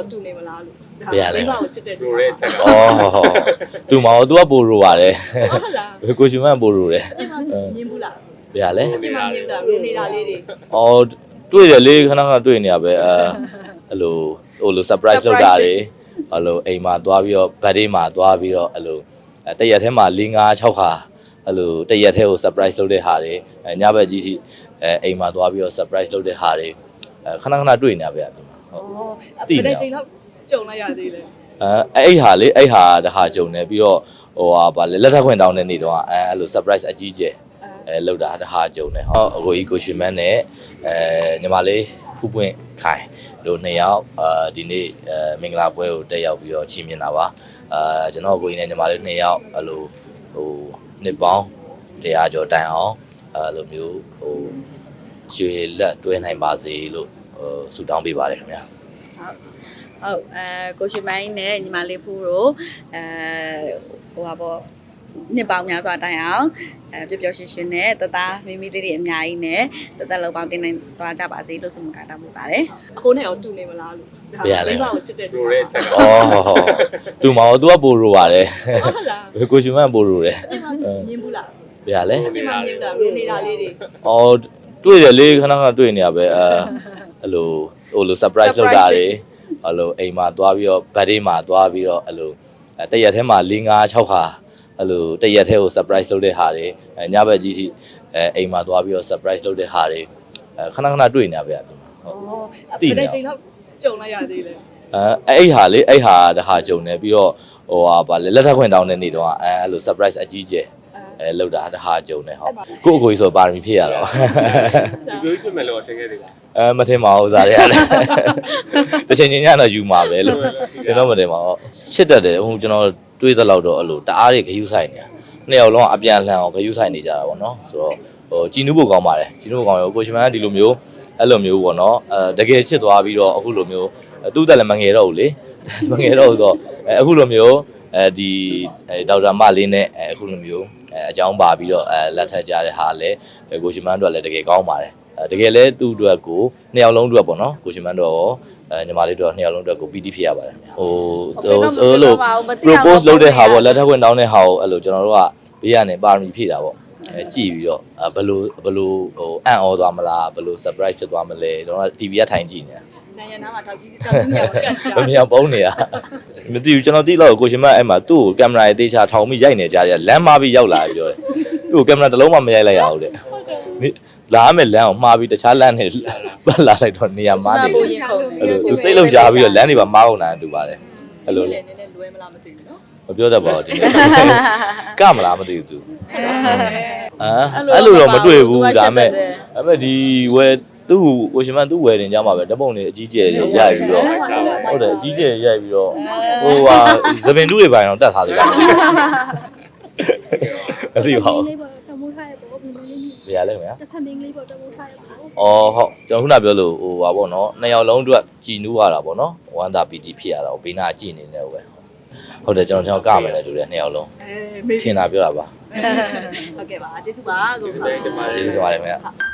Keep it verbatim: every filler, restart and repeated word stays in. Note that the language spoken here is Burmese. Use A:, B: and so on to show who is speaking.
A: တူနေမလားလို့
B: ဘယ်ရလဲ
A: မိဘကိုချစ်တဲ့လူ
C: ရိုရဲချက်
B: ဩတူမအောင် तू ကပိုရိုပါတယ်
A: ဟုတ်လား
B: ကိုရှင်မန်ပိုရိုတယ်
A: အဲ့မှာမြင်ဘူးလား
B: ဘယ်ရလဲ
A: အဲ့မှာမြင်ဘူးလားရိုနေတာလေးတွေ
B: အော်တွေ့တယ်လေခဏခဏတွေ့နေရပဲအဲအဲ့လိုဟိုလို surprise လုပ်တာတွေအဲ့လိုအိမ်မှာသွားပြီးတော့ birthday မှာသွားပြီးတော့အဲ့လိုတရက်ထဲမှာ၄၅၆ခါအဲ့လိုတရက်ထဲကို surprise လုပ်တဲ့ဟာတွေညဘက်ကြီးစီအဲအိမ်မှာသွားပြီးတော့ surprise လုပ်တဲ့ဟာတွေခဏခဏတွေ့နေရပဲအပြင်မှာဟုတ်
A: ဩဘယ်ချိန်လောက်ကြုံလိုက်ရသေးလဲ
B: အဲအဲ့ဟာလေအဲ့ဟာတခါကြုံနေပြီးတော့ဟိုဟာဗာလေလက်ထပ်ခွင့်တောင်းတဲ့နေ့တော့အဲအဲ့လို surprise အကြီးကျယ်အဲလောက်တာတခါကြုံနေဟောအကိုကြီးကိုရှင်မန်းနဲ့အဲညီမလေးဖူးပွင့်ခိုင်တို့နှစ်ယောက်အာဒီနေ့အဲမင်္ဂလာပွဲကိုတက်ရောက်ပြီးတော့ချီးမြှင့်တာပါအာကျွန်တော်ကိုကြီးနဲ့ညီမလေးနှစ်ယောက်အဲ့လိုဟိုနှစ်ပေါင်းတရားကျော်တိုင်အောင်အဲ့လိုမျိုးဟိုရွှေလက်တွဲနိုင်ပါစေလို့ဟိုဆုတောင်းပေးပါတယ်ခင်ဗျာ
D: ဟုတ်အဲကိုရှင်မိုင်းနဲ့ညီမလေးဖူးတို့အဲဟိုပါပေါ့နှစ်ပေါင်းများစွာတိုင်အောင်အဲပျော်ပျော်ရွှင်ရွှင်နဲ့တသားမိမိလေးတွေအများကြီးနဲ့တသက်လုံးပေါင်းတင်နိုင်သွားကြပါစေလို့ဆုမကတောင်းပေးပါတယ်
A: အကိုနဲ့ရောတူနေမလားလို့မိဘကိုချစ်တဲ့လူ
C: ရိုရဲချက်
B: ဩတူမအောင် तू ကပိုရိုပါတယ်
A: ဟုတ်လား
B: ကိုရှင်မန်ပိုရိုတယ်
A: အဲ့မှာမြင်ဘူးလား
B: ဘယ်ရလဲ
A: အဲ့မှာမြင်တာရိုနေတာလေးတွေ
B: အော်တွေ့တယ်လေခဏခဏတွေ့နေရပဲအဲအဲ့လိုဟိုလို surprise လုပ်တာတွေအဲ့လိုအိမ်မှာသွားပြီးတော့ birthday မှာသွားပြီးတော့အဲ့လိုတရက်ထဲမှာ၄၅၆ခါအဲ့လိုတရက်ထဲကို surprise လုပ်တဲ့ဟာတွေညဘက်ကြီးစီအဲအိမ်မှာသွားပြီးတော့ surprise လုပ်တဲ့ဟာတွေခဏခဏတွေ့နေရပဲအပြင်မှာဟုတ်
A: ဩဘယ်ချိန်လောက်ကြုံလိုက်ရသေးလဲ
B: အဲအဲ့ဟာလေအဲ့ဟာတခါကြုံနေပြီးတော့ဟိုဟာဗာလေလက်ထပ်ခွင့်တောင်းတဲ့နေ့တော့အဲအဲ့လို surprise အကြီးကျယ်အဲလောက်တာတခါကြုံနေဟုတ်ကို့အကိုကြီးဆိုပါရမီဖြစ်ရတော့
C: ဒီလိုဖြစ်မယ်လို့ထင်ခဲ့သေးလား
B: အဲမထင်ပါဘူးစားရတယ်တချင်ချင်းညတော့ယူမှာပဲလို့ကျွန်တော်မထင်ပါဘူးရှစ်တက်တယ်ဟိုကျွန်တော်တွေးသလောက်တော့အဲ့လိုတအားတွေဂယုဆိုင်နေနှစ်ယောက်လုံးအပြန်လှန်အောင်ဂယုဆိုင်နေကြတာပေါ့နော်ဆိုတော့ဟိုကြည်နူးဖို့ကောင်းပါတယ်ကြည်နူးဖို့ကောင်းရောကိုရှင်မန်ကဒီလိုမျိုးအဲ့လိုမျိုးပေါ့နော်အဲတကယ်ချစ်သွားပြီးတော့အခုလိုမျိုးသူ့တက်လည်းမငယ်တော့ဘူးလေမငယ်တော့ဘူးဆိုတော့အခုလိုမျိုးအဲဒီဒေါက်တာမလေးနဲ့အခုလိုမျိုးအဲအကြောင်းပါပြီးတော့အဲလက်ထပ်ကြတဲ့ဟာလည်းကိုရှင်မန်တို့ကလည်းတကယ်ကောင်းပါတယ်တကယ်လဲသူ့အတွက်ကိုနှစ်ယောက်လုံးအတွက်ပေါ့နော်ကိုရှင်မန်တို့ရောအဲညီမလေးတို့နှစ်ယောက်လုံးအတွက်ကိုပီတိဖြစ်ရပါတယ်ဟိုဟိုလို propose လုပ်တဲ့ဟာပေါ့လက်ထပ်ခွင့်တောင်းတဲ့ဟာကိုအဲ့လိုကျွန်တော်တို့ကဘေးကနေပါရမီဖြည့်တာပေါ့အဲကြည့်ပြီးတော့ဘယ်လိုဘယ်လိုဟိုအံ့ဩသွားမလားဘယ်လို surprise ဖြစ်သွားမလဲကျွန်တော်က တီဗီ ကထိုင်ကြည့်နေတာ
A: နိုင်ရနာမှာထောက်ကြည့်တောက်နေရကတ်ကြ
B: မမြောင်ပုံးနေတာမသိဘူးကျွန်တော်သိတော့ကိုရှင်မအဲ့မှာသူ့ကိုကင်မရာရေးသေးချာထောင်ပြီးရိုက်နေကြတယ်လမ်းမပြီးရောက်လာပြီးပြောတယ်သူ့ကိုကင်မရာတစ်လုံးမှမရိုက်လိုက်ရဘူးတဲ့လာမယ်လမ်းကိုမှားပြီးတခြားလမ်းနဲ့ပတ်လာလိုက်တော့နေရာမှားနေတယ်အဲ့လိုသူစိတ်လုံးရှားပြီးတော့လမ်းတွေပါမားအောင်လာတူပါတယ်အဲ့လို
A: နည်းနည်းလွဲမလားမသိဘူးနော်
B: မပြောတတ်ပါဘူးဒီနေ့ကမလားမသိဘူးသူအာအဲ့လိုတော့မတွေ့ဘူးဒါမဲ့ဒါမဲ့ဒီဝယ်သူ့ကိုရှင်မသူ့ဝယ်တင်ကြမှာပဲဓပုံတွေအကြီးကျယ်တွေရိုက်ပြီးတော့ဟုတ်တယ်အကြီးကျယ်ရိုက်ပြီးတော့ဟိုဟာသပင်တူးတွေပိုင်းတော့တတ်ထားသေးတယ်မသိပါဘူး
E: လေးပေါ့တမိုးထားရပေါ့ဘယ်လိုလဲ
B: ဘယ်ရလဲခင်ဗျာ
E: တစ်ဖက်မင်းလေးပေါ့တမိုးထားရပေါ့
B: အော်ဟုတ်ကျွန်တော်ခုနပြောလို့ဟိုပါပေါ့နော်နှစ်ယောက်လုံးအတွက်ကြည်နူးရတာပေါ့နော်ဝမ်းသာပီတိဖြစ်ရတာဘေးနာကြည်နေတယ်ဟုတ်ပဲဟုတ်တယ်ကျွန်တော်ကျွန်တော်ကမယ်လေတူတယ်နှစ်ယောက်လုံး
A: အဲမေး
B: ထင်တာပြောတာပါ
A: ဟုတ်ကဲ့ပါကျေးဇူးပါကို
C: ဒီနေ့ဒီမှာ
B: ကျေးဇူးတင်ပါတယ်ခင်ဗျာ